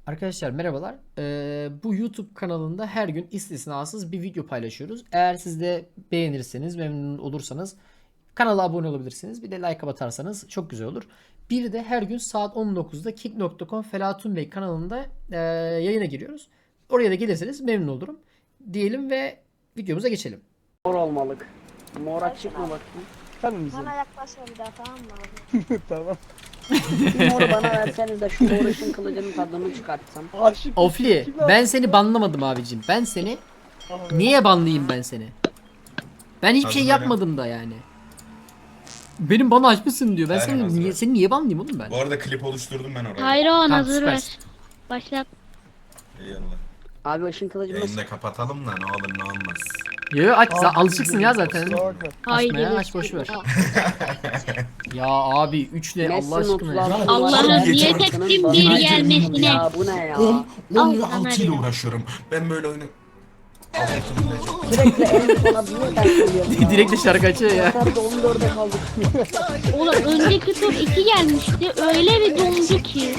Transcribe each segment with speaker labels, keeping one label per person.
Speaker 1: Arkadaşlar merhabalar. Bu YouTube kanalında her gün istisnasız bir video paylaşıyoruz. Eğer siz de beğenirseniz, memnun olursanız kanala abone olabilirsiniz. Bir de like atarsanız çok güzel olur. Bir de her gün saat 19'da kick.com Felatun Bey kanalında yayına giriyoruz. Oraya da gelirseniz memnun olurum. Diyelim ve videomuza geçelim.
Speaker 2: Mor olmalık. Mor açık mı bakayım?
Speaker 3: Efendim bizim.
Speaker 4: Bana yaklaşma bir daha, tamam mı abi?
Speaker 3: Tamam.
Speaker 2: Bir moru bana verseniz de şu mor ışın kılıcının tadını çıkartsam.
Speaker 3: Aşık.
Speaker 1: Ofli,
Speaker 3: Kim
Speaker 1: ben seni banlamadım abicim. Ben seni niye banlayayım ben seni? Ben hiçbir şey
Speaker 5: Hazır
Speaker 1: yapmadım da yani. Benim bana açmışsın diyor. Ben
Speaker 5: Aynen,
Speaker 1: seni
Speaker 5: hazır.
Speaker 1: niye banlayayım oğlum ben?
Speaker 5: Bu arada klip oluşturdum ben oraya.
Speaker 4: Hayron
Speaker 1: Tamam,
Speaker 4: hazır ver.
Speaker 1: süpersin.
Speaker 4: Başlat.
Speaker 5: Eyvallah.
Speaker 2: Abi ışın kılıcı nasıl?
Speaker 5: Yayını da kapatalım da ne olur ne olmaz.
Speaker 1: Yo aç alışıksın ya zaten.
Speaker 3: Kusura bakma.
Speaker 4: Haydi.
Speaker 1: ya, aç, boş ver. Ya abi 3 ne Allah aşkına ya.
Speaker 4: Allah'ım niyet ettim bir gelmesine.
Speaker 2: Ya bu ne ya?
Speaker 5: 10
Speaker 4: sana
Speaker 5: 6 ile
Speaker 4: dedim.
Speaker 5: uğraşıyorum. Ben böyle oyunu...
Speaker 2: Sürekli en sona bir tane geliyor.
Speaker 1: Direkt de şarkı açıyor ya.
Speaker 2: Nerede 14'e kaldık.
Speaker 4: Oğlum önceki tur 2 gelmişti. Öyle bir dondu ki.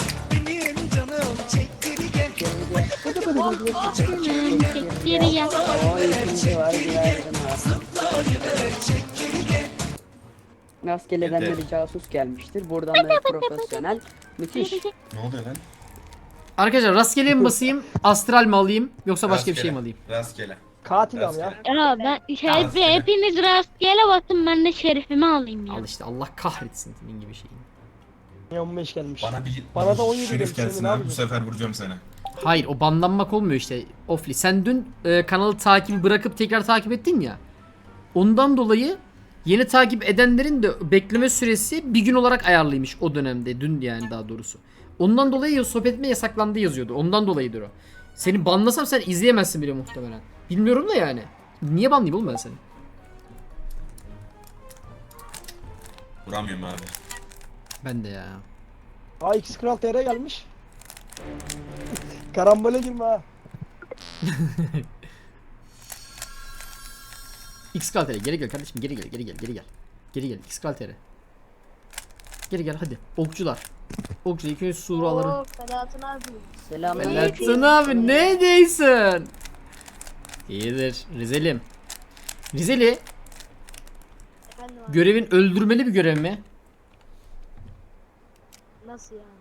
Speaker 4: Çekleri gel.
Speaker 2: O ikinci var güvercin var. Rastgeleden
Speaker 5: Yeter.
Speaker 2: bir casus gelmiştir. Buradan da profesyonel. Müthiş.
Speaker 5: Ne oluyor lan?
Speaker 1: Arkadaşlar rastgele mi basayım? Astral mi alayım? Yoksa başka bir şey mi alayım?
Speaker 5: Rastgele.
Speaker 3: Katil al ya.
Speaker 4: Ya ben
Speaker 5: Rastgele.
Speaker 4: hepiniz rastgele bakın, ben de şerefimi alayım ya.
Speaker 1: Al işte Allah kahretsin senin gibi şeyini.
Speaker 3: Niye 15 gelmiş.
Speaker 5: Bana
Speaker 3: da 17
Speaker 5: şerif
Speaker 3: demiş,
Speaker 5: gelsin
Speaker 3: seni ne
Speaker 5: abi bu
Speaker 3: yapacağım?
Speaker 5: sefer vuracağım seni.
Speaker 1: Hayır o banlanmak olmuyor işte. Ofli sen dün kanalı takibi bırakıp tekrar takip ettin ya. Ondan dolayı yeni takip edenlerin de bekleme süresi bir gün olarak ayarlıymış o dönemde. Dün yani daha doğrusu. Ondan dolayı sohbet etme yasaklandı yazıyordu. Ondan dolayıdır o. Seni banlasam sen izleyemezsin bile muhtemelen. Bilmiyorum da yani. Niye banlayayım oğlum ben seni?
Speaker 5: Vuramıyorum abi.
Speaker 1: Ben de ya.
Speaker 3: Aa X Kral TR gelmiş. Karambole girme ha.
Speaker 1: X-Kaltere geri gel kardeşim geri gel. Geri gel X-Kaltere. Geri gel hadi. Okçular. Okçu ilk önce suraları.
Speaker 4: Oo, Ferhat'ın abi.
Speaker 2: Selamünaleyküm.
Speaker 1: Belatın abi ne değilsin? İyidir Rizelim. Rizeli
Speaker 4: Efendim abi,
Speaker 1: görevin öldürmeli bir görev mi?
Speaker 4: nasıl yani?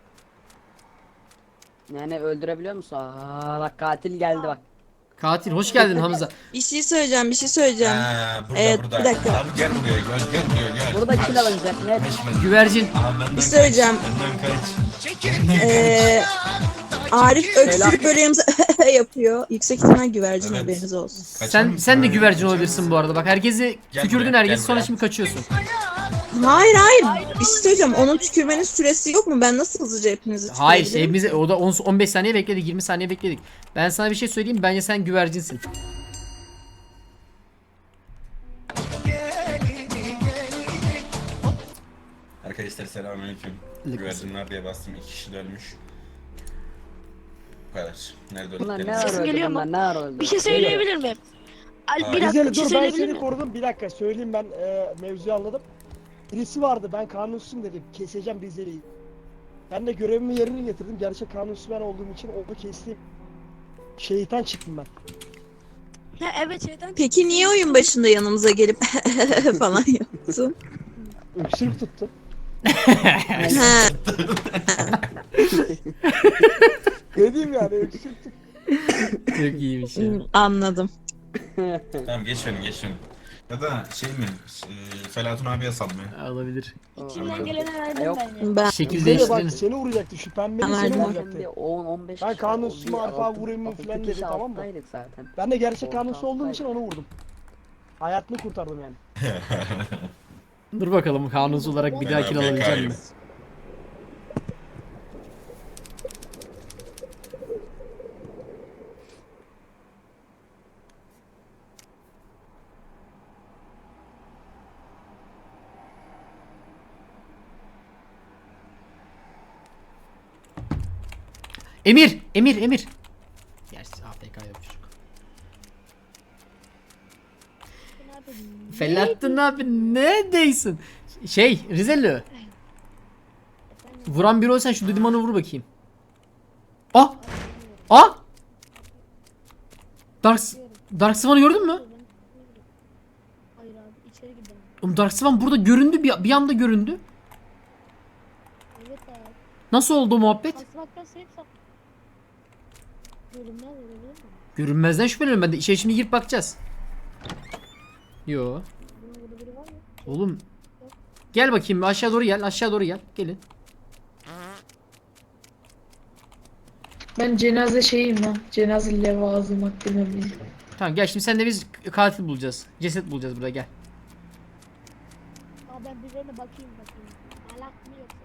Speaker 2: Yani öldürebiliyor musun? Aa bak katil geldi bak.
Speaker 1: Katil hoş geldin Hamza.
Speaker 6: Bir şey söyleyeceğim.
Speaker 5: Burada
Speaker 6: Evet,
Speaker 5: burada.
Speaker 6: bir dakika.
Speaker 5: Abi gel buraya gel.
Speaker 2: Burada kill alınacak net.
Speaker 1: Güvercin.
Speaker 5: Abi benden
Speaker 6: Bir şey söyleyeceğim.
Speaker 5: Benden kaç.
Speaker 6: Arif öksürük böreğimizi yapıyor. Yüksek ihtimal güvercin
Speaker 5: Evet.
Speaker 6: haberiniz olsun.
Speaker 5: Kaçar mısın
Speaker 1: Sen de
Speaker 5: abi?
Speaker 1: güvercin
Speaker 5: Kaçar
Speaker 1: olabilirsin
Speaker 5: mısın?
Speaker 1: bu arada. Bak herkesi
Speaker 5: Gel
Speaker 1: tükürdün
Speaker 5: buraya,
Speaker 1: herkes
Speaker 5: gel
Speaker 1: sonra
Speaker 5: buraya.
Speaker 1: şimdi kaçıyorsun.
Speaker 6: Hayır. Bir şey söyleyeceğim. Onun tükürmenin süresi yok mu? Ben nasıl hızlıca hepinizi
Speaker 1: Hayır işte
Speaker 6: tükürebilirim?
Speaker 1: hepimize o da 15 saniye bekledik 20 saniye bekledik. Ben sana bir şey söyleyeyim bence sen güvercinsin.
Speaker 5: Arkadaşlar selamünaleyküm. Güvercinler diye bastım. 2 kişi de ölmüş. Bu kadar. Nerede
Speaker 2: Bunlar ne
Speaker 5: öldüklerini?
Speaker 2: ara öldü
Speaker 4: geliyor mu?
Speaker 2: bunlar ne ara öldü?
Speaker 4: Bir şey söyleyebilir miyim?
Speaker 5: Hayır.
Speaker 4: Bir dakika,
Speaker 3: Güzel
Speaker 4: bir şey
Speaker 3: dur ben
Speaker 4: söyleyebilir
Speaker 3: seni
Speaker 4: miyim?
Speaker 3: korudum. Bir dakika söyleyeyim ben mevzuyu anladım. Birisi vardı ben kanunsuzum dedim. Keseceğim Rizeli'yi. Ben de görevimi yerine getirdim. Gerçek kanunsuz ben olduğum için onu kestim. Şeytan çıktım ben.
Speaker 4: Ha, evet şeyden.
Speaker 6: Peki niye oyun başında yanımıza gelip falan yaptın?
Speaker 3: Öksürük tuttu.
Speaker 6: Ha,
Speaker 3: Ne diyeyim yani öksürük tuttu.
Speaker 1: Çok iyiymiş ya.
Speaker 6: anladım.
Speaker 5: Tamam geç beni. Ya da şey mi? Felatun abiye sal mı?
Speaker 1: Olabilir.
Speaker 4: İçimden gelene verdim
Speaker 2: Yok.
Speaker 4: ben ya.
Speaker 6: Ben
Speaker 1: Şekil
Speaker 3: Rizeli bak
Speaker 1: değiştirin.
Speaker 3: seni vuracaktı şu pembenin
Speaker 6: Tamam,
Speaker 3: seni
Speaker 6: tamam.
Speaker 3: vuracaktı.
Speaker 2: 10-15
Speaker 3: Ben kanunsuzum Arpa vurayım mı falan dedi tamam mı?
Speaker 2: zaten.
Speaker 3: Ben de gerçek kanunsuz olduğum için onu vurdum. Hayatını kurtardım yani.
Speaker 1: Dur bakalım kanunsuz olarak bir daha kill alabilecek mi? Emir. Gerçi AFK yok çocuk. Felahattin abi ne değilsin? Rizeli. Vuran biri olsan şu Düdüman'ı vur bakayım. Ah! Ah! Dark Swan'ı gördün mü?
Speaker 4: Hayır abi içeri gidelim.
Speaker 1: Oğlum Dark Swan burada göründü, bir anda göründü.
Speaker 4: Evet abi.
Speaker 1: Nasıl oldu o muhabbet?
Speaker 4: Asmaktan sevip sak. Görünmez olabilir mi?
Speaker 1: Görünmezden şüpheleniyorum ben de. İçeri şimdi girip bakacağız. Yo.
Speaker 4: Bunun burada biri var mı?
Speaker 1: Oğlum. Gel bakayım, aşağı doğru gel. Aşağı doğru gel. Gelin.
Speaker 7: Ben cenaze şeyim ya. Cenaze levazım hakkında bilmiyorum.
Speaker 1: Tamam gel, şimdi senle biz katil bulacağız. Ceset bulacağız burada, gel.
Speaker 4: Aa ben birilerine bakayım. Alak mı yoksa?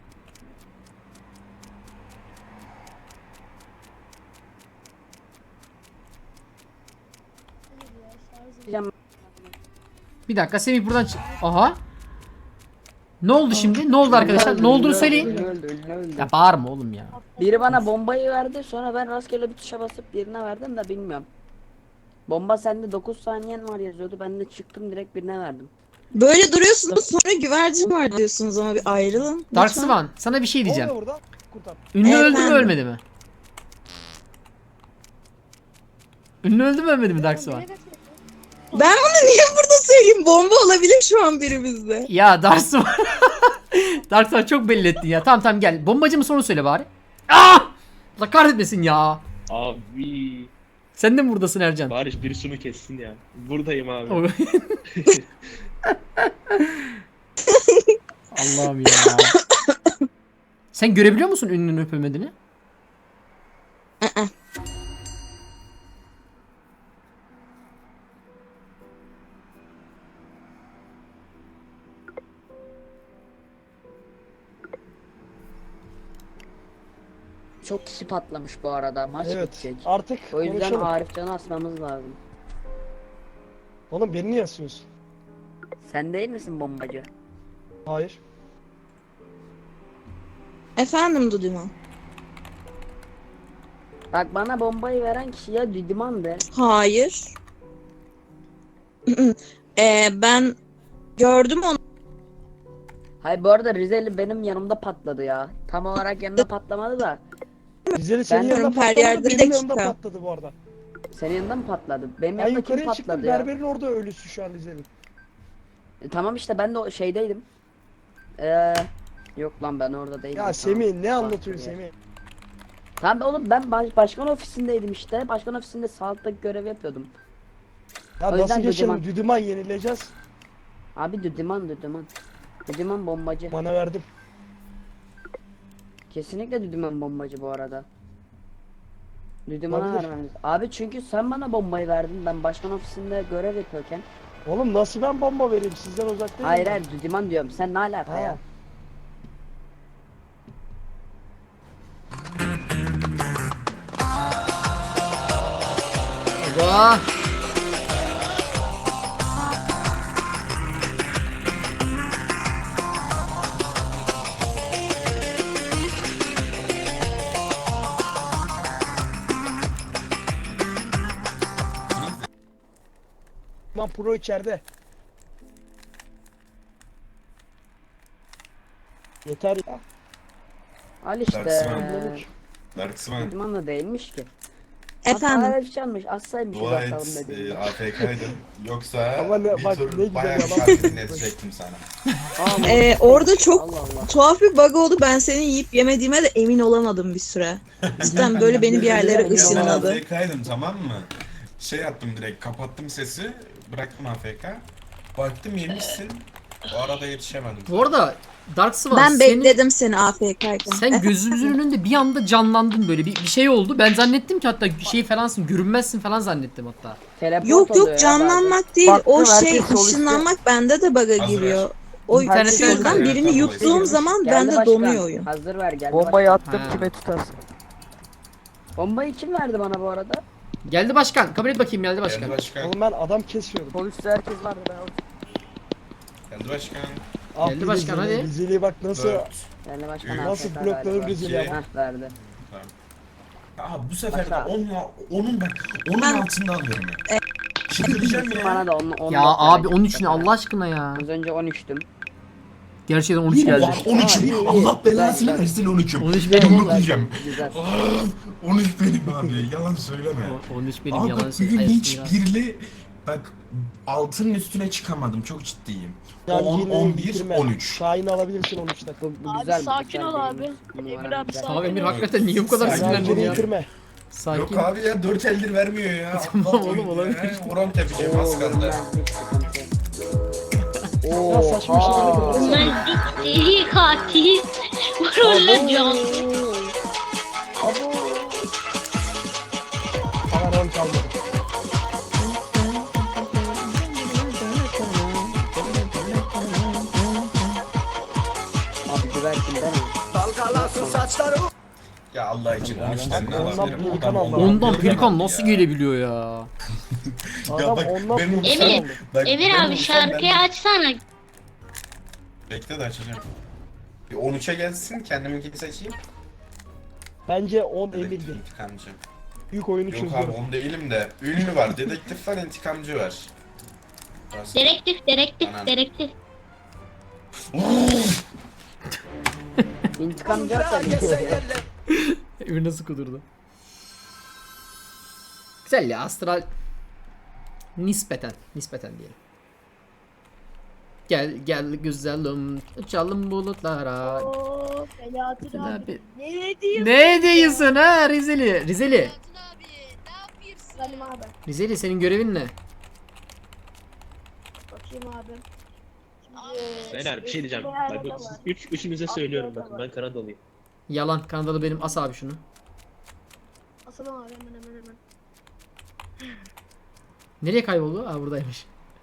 Speaker 4: Hayır ya şarjım.
Speaker 2: Diyeceğim,
Speaker 1: Bir dakika, Semih buradan Aha. Ne oldu şimdi? Ne oldu arkadaşlar? Ne olduğunu söyleyin.
Speaker 2: Ünlü öldü.
Speaker 1: Ya bağırma oğlum ya.
Speaker 2: Biri bana bombayı verdi, sonra ben rastgele bir tuşa basıp birine verdim de bilmiyorum. Bomba sende 9 saniyen var yazıyordu. Ben de çıktım direkt birine verdim.
Speaker 6: Böyle duruyorsunuz sonra güvercin var diyorsunuz ama bir ayrılın.
Speaker 1: Dark
Speaker 6: lütfen.
Speaker 1: Swan, sana bir şey
Speaker 3: Ne
Speaker 1: diyeceğim.
Speaker 3: oluyor burada? Kurtar.
Speaker 1: Ünlü öldü mü
Speaker 6: Efendim?
Speaker 1: ölmedi mi? Ünlü öldü mü ölmedi mi Dark Swan?
Speaker 6: Ben bunu niye burada söyleyeyim? Bomba olabilir şu an birimizde.
Speaker 1: Ya Dark Swan. Dark Swan çok belli ettin ya. Tamam tamam gel. Bombacı mı sonra söyle bari. Ah! Allah kahretmesin ya.
Speaker 8: Abi
Speaker 1: Sen de mi buradasın Ercan?
Speaker 8: bari biri şunu kessin ya. Buradayım abi.
Speaker 1: Allah'ım ya. Sen görebiliyor musun ünlünün öp ölmediğini?
Speaker 2: Çok kişi patlamış bu arada. Maç
Speaker 3: Evet.
Speaker 2: bitecek.
Speaker 3: Artık
Speaker 2: O yüzden
Speaker 3: konuşalım.
Speaker 2: Arifcan'ı asmamız lazım.
Speaker 3: Oğlum beni niye asıyorsun?
Speaker 2: Sen değil misin bombacı?
Speaker 3: Hayır.
Speaker 6: Efendim Duduman.
Speaker 2: Bak bana bombayı veren kişi ya Düdüman'dı.
Speaker 6: Hayır. Ben gördüm onu.
Speaker 2: Hayır bu arada Rizeli benim yanımda patladı ya. Tam olarak yanımda patlamadı da.
Speaker 3: Rizeli senin
Speaker 2: Ben
Speaker 3: yanında
Speaker 6: her
Speaker 3: patladı,
Speaker 6: yerde bir
Speaker 3: benim yanımda
Speaker 6: dakika.
Speaker 3: patladı bu arada.
Speaker 2: Senin yanında mı patladı? Benim
Speaker 3: Ben
Speaker 2: yanımda kim
Speaker 3: yukarıya çıktım,
Speaker 2: patladı ya?
Speaker 3: berberin orada ölüsü şu an Rizeli.
Speaker 2: Tamam işte ben de o şeydeydim. Yok lan ben orada değilim.
Speaker 3: Ya
Speaker 2: Tamam.
Speaker 3: Semih ne anlatıyorsun
Speaker 2: Başka bir yer.
Speaker 3: Semih?
Speaker 2: Tamam oğlum ben başkan ofisindeydim işte. Başkan ofisinde sağlıktaki görev yapıyordum.
Speaker 3: Ya
Speaker 2: O yüzden
Speaker 3: nasıl geçelim?
Speaker 2: Düdüman.
Speaker 3: Düdüman yenileceğiz.
Speaker 2: Abi Düdüman. Düdüman bombacı.
Speaker 3: Bana verdim.
Speaker 2: Kesinlikle Düdüman bombacı bu arada. Düdüman'a
Speaker 3: Olabilir.
Speaker 2: vermemiz. Abi çünkü sen bana bombayı verdin. Ben başkan ofisinde görev yapıyorken.
Speaker 3: Oğlum nasıl ben bomba vereyim sizden uzak değilim.
Speaker 2: Hayır
Speaker 3: ben.
Speaker 2: hayır Düdüman diyorum. Sen ne alaka
Speaker 3: Ha.
Speaker 2: ya?
Speaker 1: Aga.
Speaker 3: Lan pro içeride. Yeter ya.
Speaker 2: Al işte.
Speaker 5: Dark Swan. Dark Swan.
Speaker 2: Düdüman da değilmiş ki.
Speaker 6: Efendim.
Speaker 2: Hatta çalmış. Assaymış.
Speaker 5: Dua
Speaker 2: bakalım
Speaker 5: et
Speaker 2: dediğinde.
Speaker 5: AFK'ydın. Yoksa
Speaker 3: Ama ne-
Speaker 5: bir
Speaker 3: bak
Speaker 5: tur
Speaker 3: ne güzel
Speaker 5: bayağı
Speaker 3: yalan.
Speaker 5: şarkı dinletecektim sana.
Speaker 6: Orada çok
Speaker 2: Allah Allah.
Speaker 6: tuhaf bir bug oldu. Ben seni yiyip yemediğime de emin olamadım bir süre. Cidden böyle beni bir yerlere
Speaker 3: Yalan.
Speaker 6: ışınladı.
Speaker 5: AFK'ydım tamam mı? Şey yaptım direkt kapattım sesi. Bıraktım AFK. Baktım yemişsin. O arada yetişemedim.
Speaker 1: Bu arada Dark Swan
Speaker 6: Ben
Speaker 1: senin,
Speaker 6: bekledim seni AFK'yken.
Speaker 1: sen gözümüzün önünde bir anda canlandın böyle. Bir şey oldu. Ben zannettim ki hatta şey falansın, görünmezsin falan zannettim hatta.
Speaker 2: Teleport
Speaker 6: Yok
Speaker 2: oluyor ya
Speaker 6: yok canlanmak değil.
Speaker 2: Baktım,
Speaker 6: O
Speaker 2: herkes
Speaker 6: şey
Speaker 2: sol üstte.
Speaker 6: ışınlanmak bende de bug'a
Speaker 5: Hazır
Speaker 6: giriyor.
Speaker 5: ver.
Speaker 6: O
Speaker 1: İnternetten
Speaker 6: şeyden
Speaker 1: kayıyor.
Speaker 6: birini yuttuğum zaman
Speaker 2: Geldi
Speaker 6: bende
Speaker 2: başkan.
Speaker 6: donuyor oyun.
Speaker 2: Hazır ver geldi.
Speaker 9: Bombayı
Speaker 2: başkan.
Speaker 9: attım
Speaker 1: Ha.
Speaker 9: kime tutarsın?
Speaker 2: Bombayı kim verdi bana bu arada?
Speaker 1: Geldi başkan. Kabul et bakayım, geldi başkan.
Speaker 5: Geldi başkan.
Speaker 3: Oğlum ben adam kesiyordum.
Speaker 9: Poliste herkes vardı ben orada.
Speaker 5: Geldi başkan.
Speaker 3: Ah
Speaker 1: Geldi
Speaker 3: bir
Speaker 1: başkan,
Speaker 3: Rizeli,
Speaker 1: hadi.
Speaker 3: Rizeli'ye bak nasıl.
Speaker 5: 4.
Speaker 2: Geldi başkan.
Speaker 3: Nasıl
Speaker 2: AFK
Speaker 3: blokladım
Speaker 2: galiba.
Speaker 3: Rizeli'ye
Speaker 5: İki.
Speaker 3: bak.
Speaker 2: Heh verdi.
Speaker 5: Aa bu sefer de
Speaker 2: Başka.
Speaker 5: onun bak onun
Speaker 6: Ben-
Speaker 5: altında alıyorum ya. Çıldıracağım ya.
Speaker 2: Bana da 10
Speaker 1: Ya abi 13 ne Allah aşkına ya.
Speaker 2: Az önce 13'tüm.
Speaker 1: Gerçekten 13 geldi.
Speaker 3: Var.
Speaker 5: 13
Speaker 3: Aa, iyi, iyi.
Speaker 5: Allah belasını
Speaker 3: Güzel,
Speaker 5: versin 13'üm.
Speaker 1: 13 benim.
Speaker 5: Yumruk yiyeceğim.
Speaker 2: Güzel.
Speaker 5: 13 benim abi. Yalan söyleme.
Speaker 1: 13 benim
Speaker 5: Abi
Speaker 1: yalan
Speaker 5: bak
Speaker 1: söylüyor.
Speaker 5: bugün hiç birli bak altının üstüne çıkamadım. Çok ciddiyim.
Speaker 3: Yani
Speaker 5: 10,
Speaker 3: yine
Speaker 5: 11,
Speaker 3: bitirme.
Speaker 5: 13.
Speaker 3: Şahin'i alabilirsin 13'te.
Speaker 2: Bu güzel.
Speaker 9: sakin ol abi.
Speaker 2: Numara
Speaker 9: Emir abi,
Speaker 2: güzel.
Speaker 9: sakin
Speaker 1: Tamam Emir hakikaten niye bu kadar
Speaker 5: Sakin.
Speaker 1: sinirlendin
Speaker 3: Rankini
Speaker 1: ya?
Speaker 3: bitirme.
Speaker 1: Sakin.
Speaker 5: Yok abi ya 4 eldir vermiyor ya.
Speaker 1: Tamam
Speaker 5: Allah
Speaker 1: oğlum,
Speaker 5: oyunu
Speaker 1: olabilir.
Speaker 5: ya. Oran tepeceğim az kaldı.
Speaker 2: Bilmezlik sıkıntı.
Speaker 3: Ya saçma şeyler yapıyorsun.
Speaker 4: Bunlar deli katil. Roller can.
Speaker 3: Abo. Hemen 10 kalmadı.
Speaker 2: Abi güvercinden mi?
Speaker 5: Ya Allah için 13'ten ne
Speaker 3: Ondan
Speaker 5: alabilirim?
Speaker 3: pelikan
Speaker 5: Adam
Speaker 3: aldı.
Speaker 1: Ondan
Speaker 5: pelikan
Speaker 1: pelikan
Speaker 5: aldı
Speaker 1: nasıl
Speaker 5: ya.
Speaker 1: gelebiliyor ya?
Speaker 5: Ya
Speaker 3: Adam
Speaker 5: bak,
Speaker 3: ondan
Speaker 5: benim
Speaker 3: pelikan
Speaker 4: Emir.
Speaker 3: aldı.
Speaker 5: Bak,
Speaker 4: Emir
Speaker 5: ben
Speaker 4: abi
Speaker 5: olsam
Speaker 4: şarkıyı
Speaker 5: ben-
Speaker 4: açsana.
Speaker 5: Bekle de açacağım. Bir 13'e gelsin kendiminkini seçeyim.
Speaker 3: Bence 10
Speaker 5: Dedektif
Speaker 3: Emir'di.
Speaker 5: intikamcı.
Speaker 3: Büyük oyunu
Speaker 5: Yok
Speaker 3: çözdü.
Speaker 5: abi 10 değilim de ünlü var. Dedektif var, intikamcı var. Burası-
Speaker 4: Direktif.
Speaker 2: İntikam yoksa
Speaker 1: Emir nasıl kudurdu? Güzel ya astral nispeten diyelim. Gel güzelim uçalım bulutlara.
Speaker 9: Oo, Selahattin abi.
Speaker 1: Abi.
Speaker 9: Ne diyorsun?
Speaker 1: Ne diyorsun ha Rizeli?
Speaker 9: Salim abi.
Speaker 1: Rizeli senin görevin ne?
Speaker 9: Bakayım abi.
Speaker 8: Beyler bir şey diyeceğim. Bak,
Speaker 9: Kanada var.
Speaker 8: üçünüze söylüyorum bakın ben Kanadalıyım.
Speaker 1: Yalan Kanadalı benim as abi şunu.
Speaker 9: Asalım abi hemen.
Speaker 1: Nereye kayboldu? Aa buradaymış.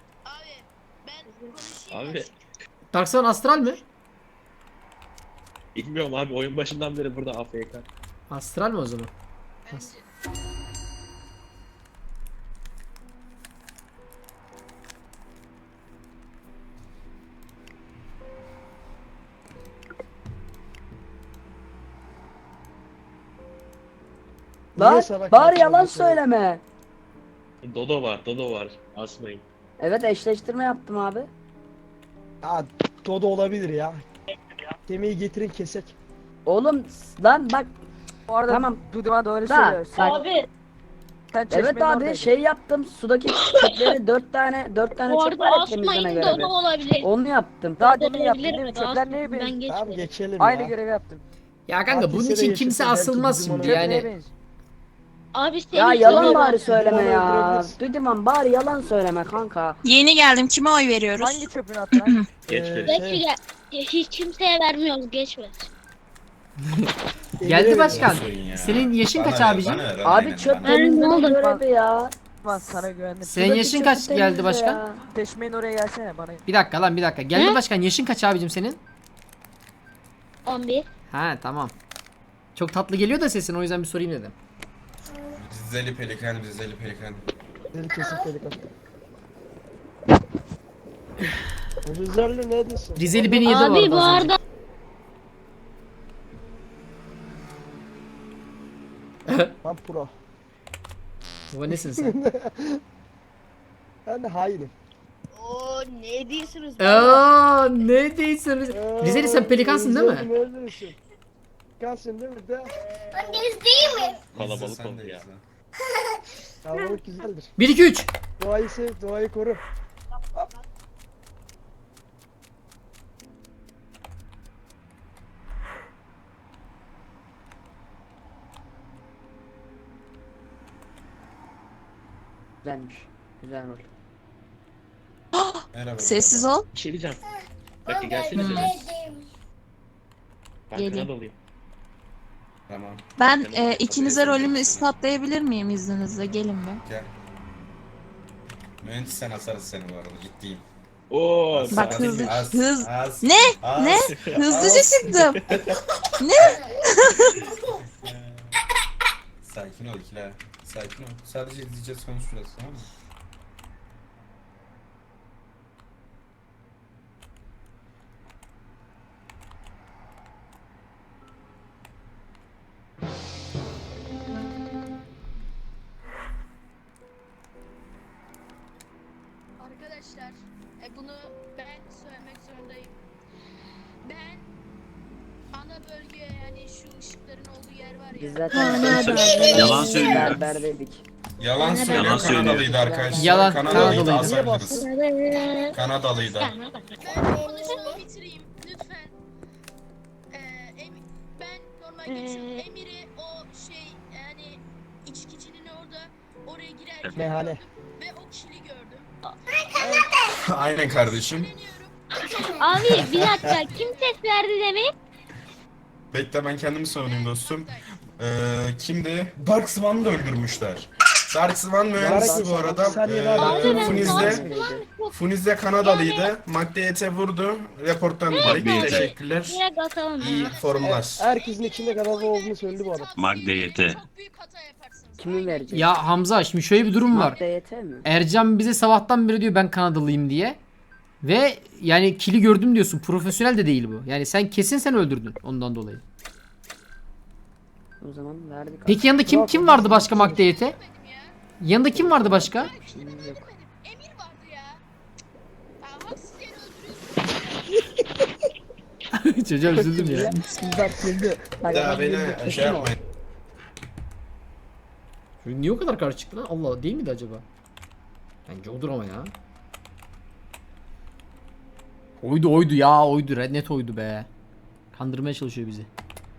Speaker 8: Abi
Speaker 1: Darkson astral mi?
Speaker 8: bilmiyorum abi oyun başından beri burada AFK.
Speaker 1: Astral mi o zaman?
Speaker 3: Niye
Speaker 2: Lan
Speaker 3: sana
Speaker 2: bari
Speaker 3: kaçırdın
Speaker 2: yalan
Speaker 3: seni?
Speaker 2: söyleme.
Speaker 8: Dodo var asmayın.
Speaker 2: Evet eşleştirme yaptım abi.
Speaker 3: Ya Dodo olabilir ya. Kemiği getirin kesek.
Speaker 2: Oğlum lan bak. Bu arada tamam.
Speaker 9: Duduma doğru
Speaker 2: Da, bak.
Speaker 9: Abi. Sen
Speaker 2: Evet abi şey yaptım sudaki çöpleri 4 tane
Speaker 4: Bu
Speaker 2: çöp var
Speaker 4: arada
Speaker 2: ya temizleme
Speaker 4: asmayın
Speaker 2: görevi.
Speaker 4: Dodo olabilir.
Speaker 2: Onu yaptım.
Speaker 9: Daha
Speaker 4: Dodo
Speaker 9: demin yaptın
Speaker 4: olabilir
Speaker 9: değil mi?
Speaker 4: mi?
Speaker 9: Çöpler neye
Speaker 4: Ben
Speaker 9: benziyor?
Speaker 3: Tamam
Speaker 4: geçmedim.
Speaker 3: geçelim
Speaker 9: Aynı
Speaker 3: ya.
Speaker 9: görevi yaptım.
Speaker 1: Ya kanka bunun
Speaker 3: Herkese
Speaker 1: için
Speaker 3: de
Speaker 1: kimse
Speaker 3: yaşasın,
Speaker 1: asılmaz
Speaker 3: belki
Speaker 1: şimdi
Speaker 3: bizim
Speaker 9: Çöp neye
Speaker 1: yani.
Speaker 9: benziyor?
Speaker 4: Abi senin
Speaker 2: Ya yalan
Speaker 4: Dodo
Speaker 2: bari
Speaker 4: var.
Speaker 2: söyleme
Speaker 3: Bana
Speaker 2: ya.
Speaker 3: öldürebiliriz.
Speaker 2: Düdüman bari yalan söyleme kanka.
Speaker 6: Yeni geldim. Kime oy veriyoruz?
Speaker 9: Hangi çöpünü attın lan?
Speaker 8: Geçmedi.
Speaker 4: Geçti gel. Hiç kimseye vermiyoruz geçmez.
Speaker 1: Geldi başkan.
Speaker 5: Olsun ya.
Speaker 1: Senin yaşın
Speaker 5: Bana
Speaker 1: kaç
Speaker 5: ver,
Speaker 1: abicim?
Speaker 5: bana ver,
Speaker 2: Abi
Speaker 5: aynen,
Speaker 2: çöp
Speaker 5: bana ver.
Speaker 4: Ne
Speaker 2: temizleme
Speaker 4: oldu?
Speaker 2: görevi ya.
Speaker 9: Lan sana güvendim.
Speaker 1: Senin
Speaker 2: Sudaki
Speaker 1: yaşın
Speaker 2: çöpü
Speaker 1: kaç geldi
Speaker 2: temizle
Speaker 1: başkan?
Speaker 2: ya.
Speaker 9: Teşmeyin oraya gelsene bana.
Speaker 1: Bir dakika lan bir dakika. Geldi başkan yaşın kaç abicim senin?
Speaker 4: 11.
Speaker 1: Ha tamam. Çok tatlı geliyor da sesin o yüzden bir sorayım dedim.
Speaker 5: Rizeli pelikan.
Speaker 3: Deli kesik pelikan. Rizeli ne diyorsun?
Speaker 1: Rizeli beni yedi
Speaker 4: Abi bu
Speaker 1: bu arada. az önce.
Speaker 4: arada
Speaker 3: Ben pro.
Speaker 1: Baba nesin sen?
Speaker 3: Ben de hainim.
Speaker 9: Oo ne diyorsunuz?
Speaker 1: Aa ne değilsin Rizeli sen pelikansın değil mi?
Speaker 3: Rizeli ne diyorsun? Pelikansın değil mi de?
Speaker 8: Kalabalık
Speaker 5: Sen
Speaker 8: oldu
Speaker 5: de
Speaker 8: ya.
Speaker 5: izle.
Speaker 3: Kalabalık güzeldir.
Speaker 1: 1 2 3.
Speaker 3: Doğayı sev, doğayı koru.
Speaker 2: Güzelmiş. Güzel rol.
Speaker 5: Merhaba.
Speaker 6: Sessiz ol.
Speaker 8: Bir şey diyeceğim. Bakın gelsenize. Ben
Speaker 4: Gelin.
Speaker 8: Kanadalıyım.
Speaker 5: Tamam
Speaker 6: Ben ikinize rolümü ispatlayabilir miyim izninizle? Gelin bir.
Speaker 5: gel. Mühendis sen asarız seni bu arada ciddiyim.
Speaker 8: Oo.
Speaker 5: Az,
Speaker 6: Bak
Speaker 5: az,
Speaker 6: hızlı-
Speaker 5: az,
Speaker 6: hız-
Speaker 5: az,
Speaker 6: Ne?
Speaker 5: az,
Speaker 6: Ne?
Speaker 5: az.
Speaker 6: Hızlıca çıktım.
Speaker 5: Sakin ol ikiler. Sakin ol. Sadece izleyeceğiz konuşacağız tamam mı?
Speaker 10: Arkadaşlar, bunu ben söylemek zorundayım.
Speaker 2: Biz zaten
Speaker 10: Yalan söylüyor.
Speaker 2: berberdeydik.
Speaker 5: Yalan söylüyor.
Speaker 10: Yalan söylüyor.
Speaker 5: Kanadalıydı arkadaşlar.
Speaker 1: Yalan,
Speaker 5: Kanadalıydı.
Speaker 1: Kanadalıydı.
Speaker 5: Asabiliriz. Kanadalıydı.
Speaker 4: Konuşmamı bitireyim lütfen. Ben normal geçiyorum. Emir'i o şey yani içkicinin oraya girerken
Speaker 3: Meyhane.
Speaker 4: gördüm ve o kişiliği gördüm.
Speaker 5: Aynen kardeşim.
Speaker 4: Abi bir dakika kim ses verdi demin?
Speaker 5: Bekle ben kendimi savunayım dostum. Kimdi? Dark Swan'ı da öldürmüşler. Dark Swan mühendisi bu arada. Funiz'de Kanadalıydı. McDate'e vurdu. Reporttan direkt. Teşekkürler.
Speaker 4: Direkt atalım
Speaker 5: İyi
Speaker 4: ya.
Speaker 5: formular.
Speaker 3: Herkesin içinde Kanada olduğunu söyledi bu adam.
Speaker 10: Magdeyete.
Speaker 4: Çok büyük hata yaparsınız.
Speaker 2: Kimi verecek?
Speaker 1: Ya Hamza şimdi şöyle bir durum var.
Speaker 2: DYT mi?
Speaker 1: Ercan bize sabahtan beri diyor ben Kanadalıyım diye. Ve yani kili gördüm diyorsun. Profesyonel de değil bu. Yani sen kesin sen öldürdün ondan dolayı.
Speaker 2: O zaman verdik.
Speaker 1: Peki yanında kim vardı başka McDate'e? Yanında kim vardı başka?
Speaker 2: Yok.
Speaker 4: Emir vardı ya. Haksız yere öldürüyorsun.
Speaker 1: Çocuğa üzüldüm ya.
Speaker 2: Bak güldü.
Speaker 5: Daha beni şey yapmayın.
Speaker 1: Çocuk niye o kadar karşı çıktı lan? Allah değil miydi acaba? Bence odur ama ya. Oydu ya oydu. Net oydu be. Kandırmaya çalışıyor bizi.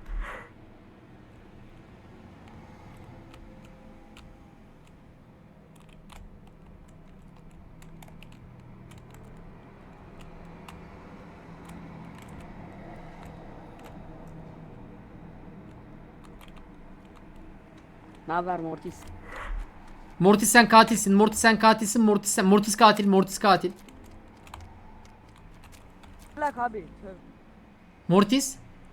Speaker 2: Ne haber Mortis?
Speaker 1: Mortis sen katilsin. Mortis sen katilsin. Mortis katil. Mortis katil.
Speaker 9: Bırak abi.
Speaker 1: Mortis.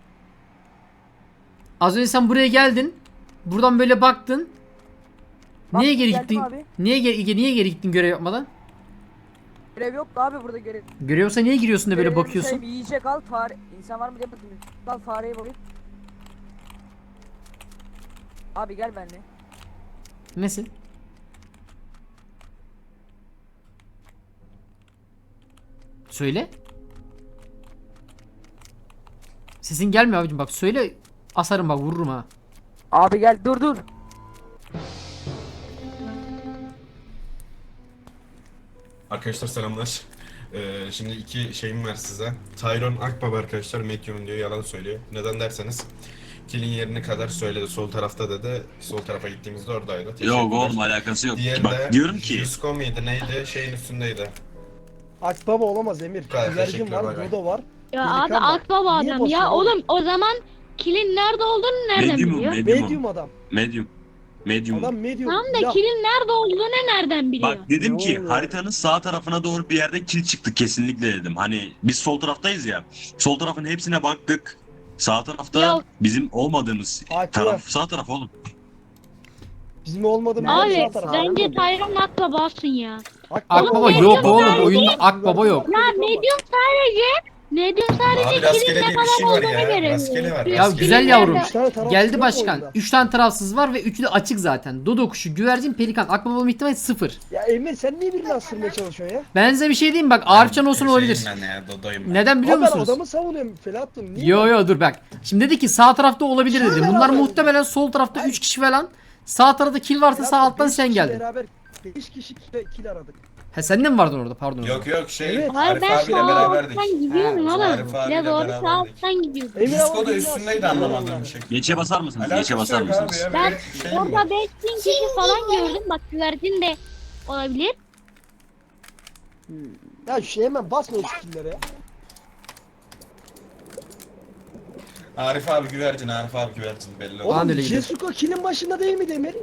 Speaker 1: Az önce sen buraya geldin. Buradan böyle baktın. Niye geri
Speaker 9: geldim
Speaker 1: gittin?
Speaker 9: abi.
Speaker 1: Niye geri gittin görev yapmadan?
Speaker 9: Görev yoktu abi burada görev.
Speaker 1: Görev olsa niye giriyorsun da böyle
Speaker 9: Görevim
Speaker 1: bakıyorsun?
Speaker 9: Şey, yiyecek al fare. İnsan var mı diye bakayım. Al fareye bakayım. Abi gel benimle.
Speaker 1: Nesin? Söyle. Sesin gelmiyor abicim bak söyle. Asarım bak vururum ha.
Speaker 9: Abi gel dur.
Speaker 5: Arkadaşlar selamlar. Şimdi iki şeyim var size. Tyron Akbaba arkadaşlar Medyum diyor yalan söylüyor. Neden derseniz kilin yerini kadar söyledi. Sol tarafta dedi. Sol tarafa gittiğimizde oradaydı.
Speaker 10: Yok
Speaker 5: Teşekkürler.
Speaker 10: oğlum alakası yok.
Speaker 5: Diğeri
Speaker 10: Bak
Speaker 5: de
Speaker 10: diyorum ki
Speaker 5: Yusko muydu neydi? Şeyin üstündeydi.
Speaker 3: Akbaba olamaz Emir.
Speaker 5: Gayet
Speaker 3: Güvercin
Speaker 5: teşekkürler,
Speaker 3: var,
Speaker 5: bay bay.
Speaker 3: Dodo var.
Speaker 4: Ya
Speaker 3: Pelikan
Speaker 4: abi
Speaker 3: var.
Speaker 4: akbaba
Speaker 3: Niye
Speaker 4: adam ya.
Speaker 3: basıyorsun
Speaker 4: Oğlum o zaman kilin nerede olduğunu nereden biliyor?
Speaker 3: Medium adam.
Speaker 10: Medium.
Speaker 3: Adam medium.
Speaker 4: Tamam da
Speaker 3: Ya,
Speaker 4: kilin nerede olduğunu nereden biliyor?
Speaker 10: Bak dedim
Speaker 3: Ne
Speaker 10: ki
Speaker 3: oluyor?
Speaker 10: haritanın sağ tarafına doğru bir yerde kil çıktı kesinlikle dedim. Hani biz sol taraftayız ya. Sol tarafın hepsine baktık. Sağ tarafta
Speaker 4: Ya-
Speaker 10: bizim olmadığımız
Speaker 3: Haklı.
Speaker 10: taraf sağ taraf oğlum.
Speaker 3: bizim olmadığımız
Speaker 4: Abi
Speaker 3: yer sağ taraf.
Speaker 4: bence Tayron akbabasın ya.
Speaker 1: Akbaba
Speaker 4: Oğlum,
Speaker 1: yok
Speaker 4: Medium
Speaker 1: oğlum.
Speaker 4: sadece-
Speaker 1: Oyunda akbaba yok.
Speaker 4: Ya Medium sadece
Speaker 5: Abi
Speaker 4: kilin
Speaker 5: rastgele
Speaker 4: ne
Speaker 5: diye bir
Speaker 4: kadar
Speaker 5: şey var
Speaker 4: olduğunu
Speaker 5: ya.
Speaker 4: göremiyor.
Speaker 5: Rastgele var.
Speaker 1: Ya
Speaker 5: rastgele.
Speaker 1: güzel yavrum.
Speaker 3: Üç tane taraf
Speaker 1: Geldi
Speaker 3: yok
Speaker 1: başkan.
Speaker 3: oyunda.
Speaker 1: 3 tane tarafsız var ve 3'ü de açık zaten. Dodo kuşu, güvercin, pelikan. Akbaba olma ihtimali 0.
Speaker 3: Ya Emir sen niye birini astırmaya çalışıyorsun ya?
Speaker 1: Ben size bir şey diyeyim bak. Arifcan olsun olabilir.
Speaker 5: Şeyim ben ya, Dodo'yum ben.
Speaker 1: Neden biliyor
Speaker 3: Abi ben
Speaker 1: musunuz?
Speaker 3: adamı savunuyorum Felahattin. Niye?
Speaker 1: Yo dur bak. Şimdi dedi ki sağ tarafta olabilir dedi.
Speaker 3: Şöyle
Speaker 1: Bunlar
Speaker 3: beraber-
Speaker 1: muhtemelen sol tarafta 3 kişi falan. Sağ tarafta kill varsa sağ alttan
Speaker 3: Beş
Speaker 1: sen
Speaker 3: kişi
Speaker 1: geldin.
Speaker 3: Beraber 5 kişi kill aradık.
Speaker 1: He sen de mi vardın orada pardon.
Speaker 5: Yok şey
Speaker 3: Evet.
Speaker 4: Hayır
Speaker 5: Arif
Speaker 4: ben
Speaker 5: abiyle
Speaker 4: sağ
Speaker 5: beraberdik.
Speaker 4: alttan gidiyorum
Speaker 5: Ha,
Speaker 4: oğlum.
Speaker 5: Arif abiyle
Speaker 4: Ya doğru sağ
Speaker 5: beraberdik.
Speaker 4: alttan gidiyorum.
Speaker 3: Emir
Speaker 5: Yusko
Speaker 3: ama
Speaker 5: da
Speaker 3: birini
Speaker 5: üstündeydi
Speaker 3: astırmıyor
Speaker 5: anlamadığım
Speaker 3: vallahi.
Speaker 5: bir şey.
Speaker 10: Geçe basar mısınız? Geçe basar
Speaker 5: Alakası yok
Speaker 10: mısınız?
Speaker 5: abi ya,
Speaker 4: Ben
Speaker 5: böyle şey mi
Speaker 4: orada
Speaker 5: var?
Speaker 4: 5000 kişi falan gördüm. Bak güvercin de olabilir.
Speaker 3: Ya şu hemen basma o skill'lere ya.
Speaker 5: Arif abi güvercin belli oldu.
Speaker 1: Bana da
Speaker 3: Oğlum
Speaker 1: öyle geliyor.
Speaker 3: Jesuko kill'in başında değil mi Emir?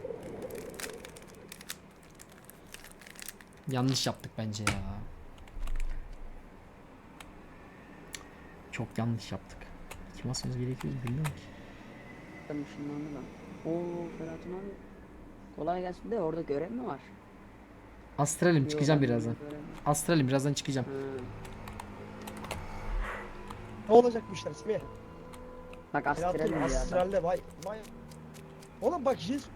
Speaker 1: Yanlış yaptık bence ya. Çok yanlış yaptık. Kim asmamız gerekiyor bilmiyorum ki.
Speaker 2: Ben ışınlandı lan. Oo Ferhat'ın abi. Kolay gelsin de orada görev mi var?
Speaker 1: Astralim
Speaker 2: Yok,
Speaker 1: çıkacağım
Speaker 2: ben
Speaker 1: birazdan.
Speaker 2: görev yok.
Speaker 1: Astralim birazdan çıkacağım.
Speaker 2: Ha.
Speaker 3: Ne olacak bu işler Semih?
Speaker 2: Bak astral
Speaker 3: Felahattin
Speaker 2: ya.
Speaker 3: astralde vay. Oğlum bak Jesuko.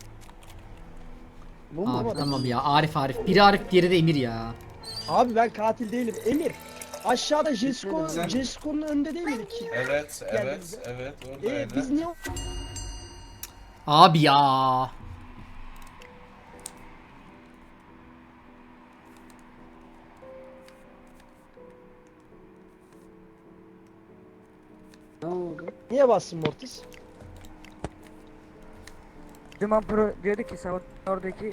Speaker 2: Bu mu?
Speaker 1: Abi tamam ya Arif. Biri Arif diğeri de Emir ya.
Speaker 3: Abi ben katil değilim Emir. Aşağıda Jesko,
Speaker 5: Sen-
Speaker 3: Jesko'nun önünde değil miydik ki?
Speaker 5: Evet,
Speaker 3: Geldiğimizde.
Speaker 5: evet, oradaydı.
Speaker 3: Biz niye
Speaker 1: Abi ya.
Speaker 2: Ne oldu?
Speaker 3: niye bastın Mortis?
Speaker 9: Duman Pro diyordu ki sen oradaki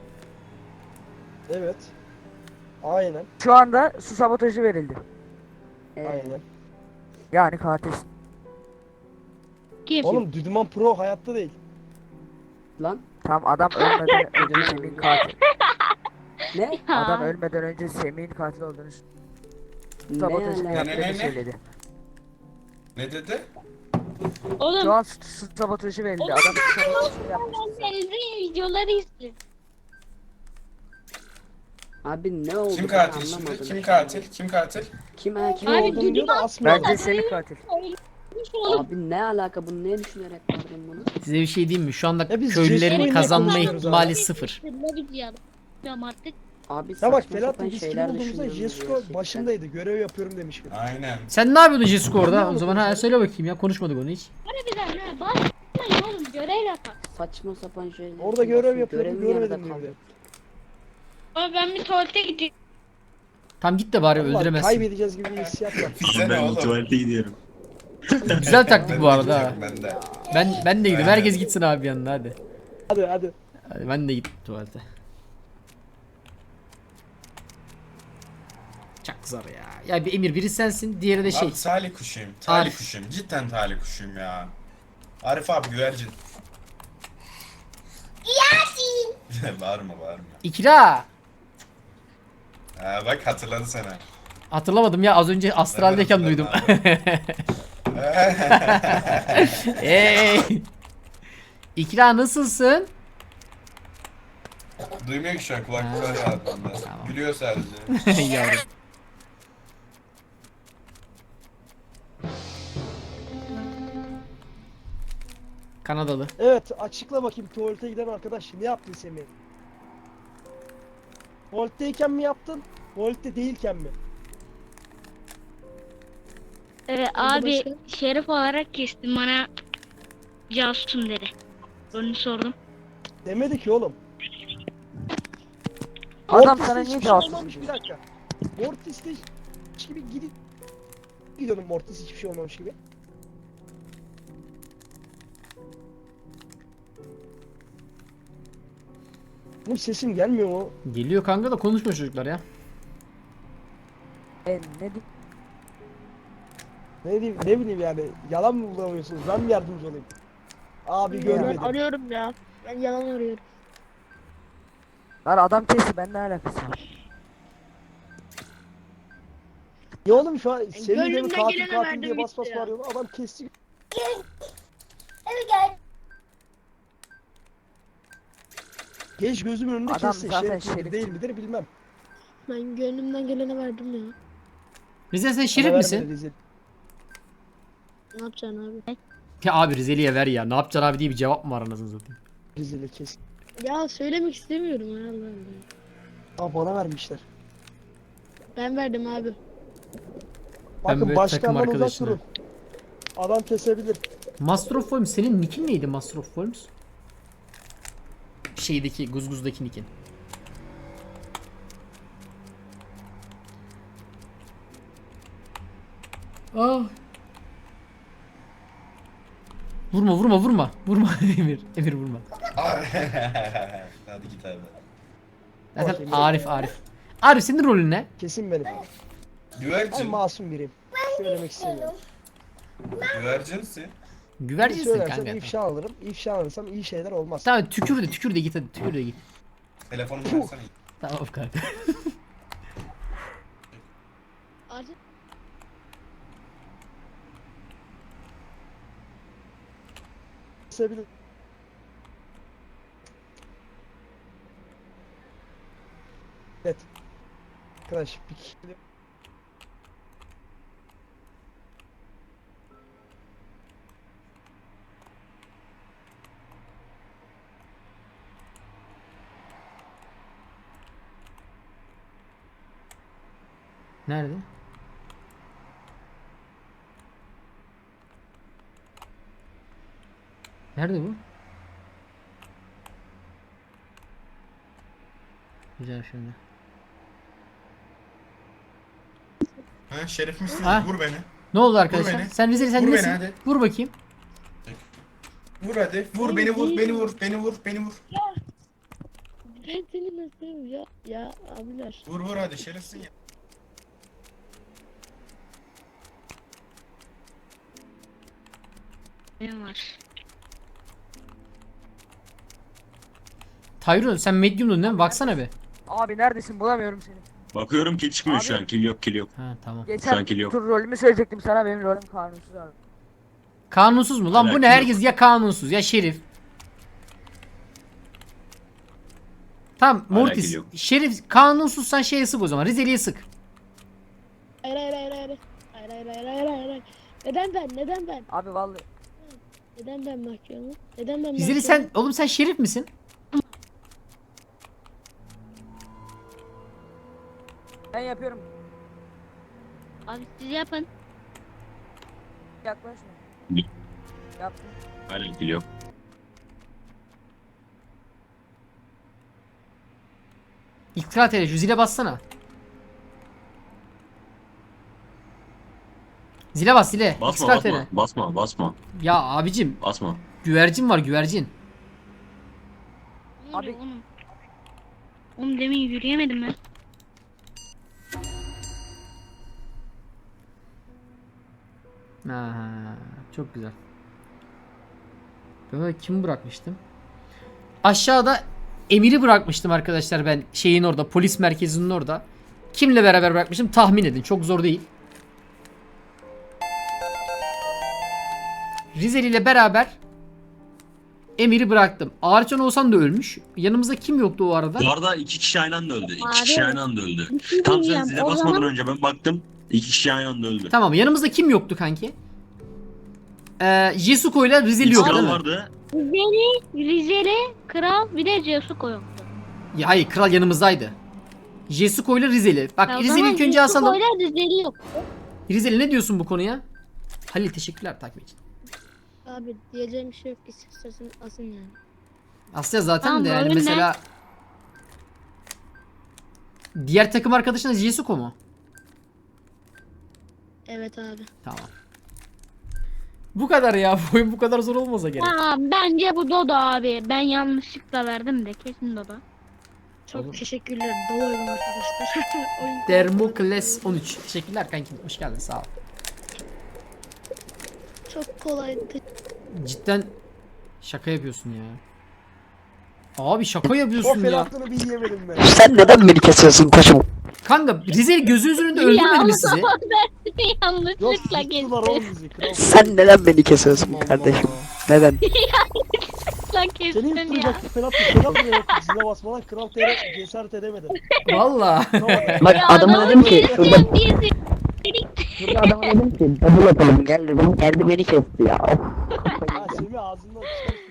Speaker 3: Evet. Aynen.
Speaker 9: şu anda su sabotajı verildi.
Speaker 3: Aynen.
Speaker 9: Yani katil.
Speaker 4: Kim?
Speaker 3: Oğlum Düdüman Pro hayatta değil.
Speaker 2: Lan
Speaker 9: Tam adam ölmeden önce Semih'in katil.
Speaker 2: ne?
Speaker 9: Adam ölmeden önce Semih'in katil olduğunu
Speaker 2: Ne
Speaker 9: sabotajını
Speaker 2: alaka?
Speaker 5: Ne?
Speaker 9: yaptığını söyledi.
Speaker 5: Ne dedi?
Speaker 4: Oğlum
Speaker 9: Şu an su sabotajı verildi. Adam su sabotajını yapmış.
Speaker 4: senin videoları izle.
Speaker 2: Abi ne oldu?
Speaker 5: Kim
Speaker 2: ben
Speaker 5: katil şimdi?
Speaker 2: anlamadım.
Speaker 5: Kim katil? Kim katil?
Speaker 2: Kim
Speaker 3: Kim
Speaker 4: Abi,
Speaker 3: olduğunu diyor da asmıyor.
Speaker 9: Bence Semih katil.
Speaker 2: Abi ne alaka? Bunu ne düşünerek verdin bunu?
Speaker 1: Size bir şey diyeyim mi? Şu anda
Speaker 3: Ya biz
Speaker 1: köylülerin
Speaker 3: Jesko'yu
Speaker 1: kazanma
Speaker 3: konuşuyoruz
Speaker 1: ihtimali
Speaker 3: abi.
Speaker 1: 0.
Speaker 4: Ne video yapıyorum artık.
Speaker 2: Abi
Speaker 3: Ya
Speaker 2: saçma
Speaker 3: bak
Speaker 2: sapan
Speaker 3: Felahat biz kim
Speaker 2: şeyler
Speaker 3: olduğumuzda
Speaker 2: düşünüyoruz
Speaker 3: Jesko
Speaker 2: gerçekten.
Speaker 3: başındaydı. Görev yapıyorum demiş.
Speaker 5: Aynen.
Speaker 1: Sen ne yapıyordun Jesko orada? O zaman ha söyle bakayım ya, konuşmadık onu hiç.
Speaker 4: Harbiden ha basmayın oğlum görev yapar.
Speaker 2: Saçma sapan şeyler.
Speaker 3: Orada görev
Speaker 2: Basın,
Speaker 3: yapıyorum,
Speaker 2: görevim yarıda
Speaker 3: görmedim
Speaker 2: kaldı.
Speaker 3: diyor.
Speaker 4: Abi ben bir tuvalete gideyim.
Speaker 1: Tam git de bari
Speaker 3: Vallahi
Speaker 1: öldüremezsin.
Speaker 3: kaybedeceğiz gibi bir hissiyat var.
Speaker 5: Bize ne
Speaker 10: Ben
Speaker 5: oğlum?
Speaker 10: tuvalete gidiyorum.
Speaker 1: Güzel taktik bu arada ha.
Speaker 5: Ben de.
Speaker 1: Ben de gideyim. Herkes gitsin abi yanına hadi.
Speaker 3: Hadi hadi.
Speaker 1: Hadi ben de git tuvalete. Çok zor ya. Ya bir Emir, biri sensin, diğeri de şey.
Speaker 5: Abi talih kuşuyum. Talih
Speaker 1: Arif.
Speaker 5: kuşuyum. Cidden talih kuşuyum ya. Arif abi güvercin. Yasin. Bağırma.
Speaker 1: İkra.
Speaker 5: Ha, bak hatırladı sana.
Speaker 1: Hatırlamadım ya, az önce astraldeyken
Speaker 5: Ben de
Speaker 1: duydum.
Speaker 5: hatırladım
Speaker 1: Hey. İkra nasılsın?
Speaker 5: Duymuyor ki şu an kulaklıklar ya adamlar.
Speaker 1: Tamam.
Speaker 5: Gülüyor sadece.
Speaker 1: Yavrum. Kanadalı.
Speaker 3: Evet açıkla bakayım tuvalete giden arkadaş ne yaptın Semih? Tuvaletteyken mi yaptın? Tuvalette değilken mi?
Speaker 4: Abi şerif olarak kestim bana casusum dedi. Onu sordum.
Speaker 3: Demedi ki oğlum.
Speaker 9: Adam
Speaker 3: Mortis'te
Speaker 9: sana
Speaker 3: hiçbir
Speaker 9: niye
Speaker 3: şey
Speaker 9: cevap
Speaker 3: olmamış, bir dakika. Mortis'te hiç gibi gidip gidiyordum Mortis hiçbir şey olmamış gibi. Bu sesim gelmiyor mu?
Speaker 1: Geliyor kanka da konuşma çocuklar ya.
Speaker 9: Ne diyeyim?
Speaker 3: Ne diyeyim, ne bileyim yani yalan mı bulamıyorsunuz? Ben mi yardımcı olayım? Abi görmedim.
Speaker 4: arıyorum ya. Ben yalan arıyorum.
Speaker 9: Lan adam kesti, ben ne alakası var?
Speaker 3: Ya oğlum şu an Semih de mi
Speaker 4: gönlümden
Speaker 3: katil
Speaker 4: gelene
Speaker 3: katil
Speaker 4: verdim
Speaker 3: diye bas bas
Speaker 4: gitti ya.
Speaker 3: bağırıyorlar. Adam kesti. Geç gözümün önünde
Speaker 9: Adam
Speaker 3: kesti.
Speaker 9: zaten
Speaker 3: Şerif midir
Speaker 9: şerif.
Speaker 3: değil midir bilmem.
Speaker 4: Ben gönlümden gelene verdim ya.
Speaker 1: Rize sen
Speaker 3: Bana
Speaker 1: şerif
Speaker 3: vermedi
Speaker 1: misin?
Speaker 3: rezil.
Speaker 4: Ne yapacaksın abi?
Speaker 1: Ya abi Rizeli'ye ver ya. Ne yapacaksın abi diye bir cevap mı var anasını satayım.
Speaker 3: Rezili kes.
Speaker 4: Ya söylemek istemiyorum ya Allah Allah.
Speaker 3: Aa bana vermişler.
Speaker 4: Ben verdim abi.
Speaker 3: Bakın
Speaker 1: böyle takım
Speaker 3: başkandan uzak
Speaker 1: arkadaşına.
Speaker 3: durun. Adam kesebilir.
Speaker 1: Master of Worms, senin nickin neydi Master of Worms? Şeydeki, Guzguz'daki nickin. Ah. Vurma. Vurma Emir. Emir vurma.
Speaker 5: Hadi git abi.
Speaker 1: Zaten Arif. Arif senin rolün ne?
Speaker 3: Kesin benim. Ben
Speaker 5: Güvercin.
Speaker 3: masum biriyim. Söylemek istemiyorum.
Speaker 5: Güvercinsin.
Speaker 1: Güvercinsin
Speaker 3: Söylersem
Speaker 1: kanka.
Speaker 3: ifşa alırım. İfşa alırsam iyi şeyler olmaz.
Speaker 1: Tamam tükür de git hadi, tükür de git.
Speaker 5: Telefonumu versene.
Speaker 1: Tamam kanka.
Speaker 4: Artık
Speaker 3: Kesebilir. Evet. Arkadaş bir kişi
Speaker 1: Nerede? Nerede bu? Güzel şimdi.
Speaker 5: Ha Şerif misin?
Speaker 1: Ha?
Speaker 5: Vur beni.
Speaker 1: Ne oldu arkadaşlar?
Speaker 5: beni.
Speaker 1: Sen Rizeli sen
Speaker 5: Vur beni
Speaker 1: nesin?
Speaker 5: hadi.
Speaker 1: Vur bakayım.
Speaker 5: Vur hadi. Vur beni vur beni vur beni vur beni vur.
Speaker 4: Ben seni nasıl ya? Ya abiler.
Speaker 5: Vur vur hadi şerefsin ya.
Speaker 4: Ne var?
Speaker 1: Tyrone sen medium'dun değil mi? Baksana bir.
Speaker 9: Abi neredesin bulamıyorum seni.
Speaker 10: Bakıyorum kill çıkmıyor
Speaker 9: Abi-
Speaker 10: şu an. Kill yok kill yok.
Speaker 1: Ha tamam.
Speaker 9: Geçen
Speaker 10: Sanki yok.
Speaker 9: tur rolümü söyleyecektim sana benim rolüm kanunsuz abi.
Speaker 1: Kanunsuz mu? Lan bu ne?
Speaker 10: Alakası
Speaker 1: Herkes ya kanunsuz ya şerif. Tamam Mortis.
Speaker 10: Alakası yok.
Speaker 1: Şerif kanunsuzsan şeye sık o zaman. Rizeli'ye sık.
Speaker 4: Hayır hayır hayır hayır. Hayır hayır hayır hayır hayır. Hayır. Neden ben? Neden ben?
Speaker 9: Abi vallahi
Speaker 4: Neden ben mahkumum? Neden ben
Speaker 1: Rizeli sen oğlum sen şerif misin?
Speaker 9: ben yapıyorum.
Speaker 4: Abi siz yapın.
Speaker 9: Yaklaşma. Yaptım.
Speaker 10: Hala kill yok.
Speaker 1: İktidar tele şu zile bassana. Zile bas zile.
Speaker 10: Basma
Speaker 1: İktidar
Speaker 10: basma.
Speaker 1: tele.
Speaker 10: Basma basma.
Speaker 1: Ya abicim
Speaker 10: Basma.
Speaker 1: güvercin var güvercin.
Speaker 4: Ne
Speaker 9: Abi-
Speaker 4: oluyor oğlum? Oğlum demin yürüyemedim ben.
Speaker 1: Aha, çok güzel. Ben orada kimi bırakmıştım? Aşağıda Emir'i bırakmıştım arkadaşlar ben şeyin orada polis merkezinin orada. Kimle beraber bırakmıştım tahmin edin çok zor değil. Rizeli ile beraber Emir'i bıraktım. Ağaçcan Oğuzhan da ölmüş. Yanımızda kim yoktu o arada?
Speaker 10: Bu arada 2 kişi aynı anda öldü. 2
Speaker 4: Abi,
Speaker 10: kişi aynı anda öldü.
Speaker 4: Bir şey
Speaker 10: Tam sen
Speaker 4: diyeceğim,
Speaker 10: zile
Speaker 4: o
Speaker 10: basmadan
Speaker 4: zaman-
Speaker 10: önce ben baktım. 2 kişi aynı anda öldü.
Speaker 1: Tamam yanımızda kim yoktu kanki? Jesuko ile Rizeli yok
Speaker 10: Kral
Speaker 1: değil mi?
Speaker 10: vardı.
Speaker 4: Rizeli, Kral bir de Cesuko yoktu.
Speaker 1: Ya hayır kral yanımızdaydı. Jesuko ile Rizeli. Bak
Speaker 4: Ya o
Speaker 1: Rizeli
Speaker 4: zaman
Speaker 1: ilk önce asalım.
Speaker 4: Cesuko ile Rizeli yok.
Speaker 1: Rizeli ne diyorsun bu konuya? Halil teşekkürler takip için.
Speaker 4: Abi diyeceğim bir şey yok ki istersen asın yani.
Speaker 1: Asya zaten
Speaker 4: Tamam,
Speaker 1: de yani
Speaker 4: rolün ne?
Speaker 1: mesela diğer takım arkadaşınız Jesuko mu?
Speaker 4: Evet abi.
Speaker 1: Tamam. Bu kadar ya. Bu oyun bu kadar zor olmasa gerek.
Speaker 4: Aa, bence bu Dodo abi. Ben yanlışlıkla verdim de kesin Dodo. Çok
Speaker 1: Oğlum.
Speaker 4: teşekkürler. Dolayım arkadaşlar. Oyun
Speaker 1: Dermokles 13. Teşekkürler kankim. Hoş geldin sağ ol.
Speaker 4: çok kolaydı.
Speaker 1: Cidden şaka yapıyorsun ya. Abi şaka
Speaker 3: O
Speaker 1: yapıyorsun ya.
Speaker 3: felahlığını bir yiyemedim ben.
Speaker 2: Sen neden beni kesiyorsun koçum?
Speaker 1: Kanka Rizeli gözünüzün önünde öldürmedi mi sizi?
Speaker 3: Yok
Speaker 4: Yanlışlıkla
Speaker 3: yıktılar
Speaker 4: kestim.
Speaker 3: oğlum bizi. Kral.
Speaker 2: Sen neden beni kesiyorsun
Speaker 3: Allah
Speaker 2: kardeşim?
Speaker 3: Allah.
Speaker 2: Neden?
Speaker 4: Yanlışlıkla
Speaker 3: Seni
Speaker 4: kestim ya.
Speaker 3: yıktıracaktı Felat bile yaptı. Zile basmadan Kral TR cesaret edemedi.
Speaker 1: Valla.
Speaker 3: Tamam.
Speaker 2: Bak
Speaker 4: Ya
Speaker 2: adama dedim ki şurada,
Speaker 4: keseceğim diye
Speaker 2: şurada adama dedim ki double atalım gel dedim. Geldi beni kesti ya.
Speaker 3: Ha Semih ağzından çıkan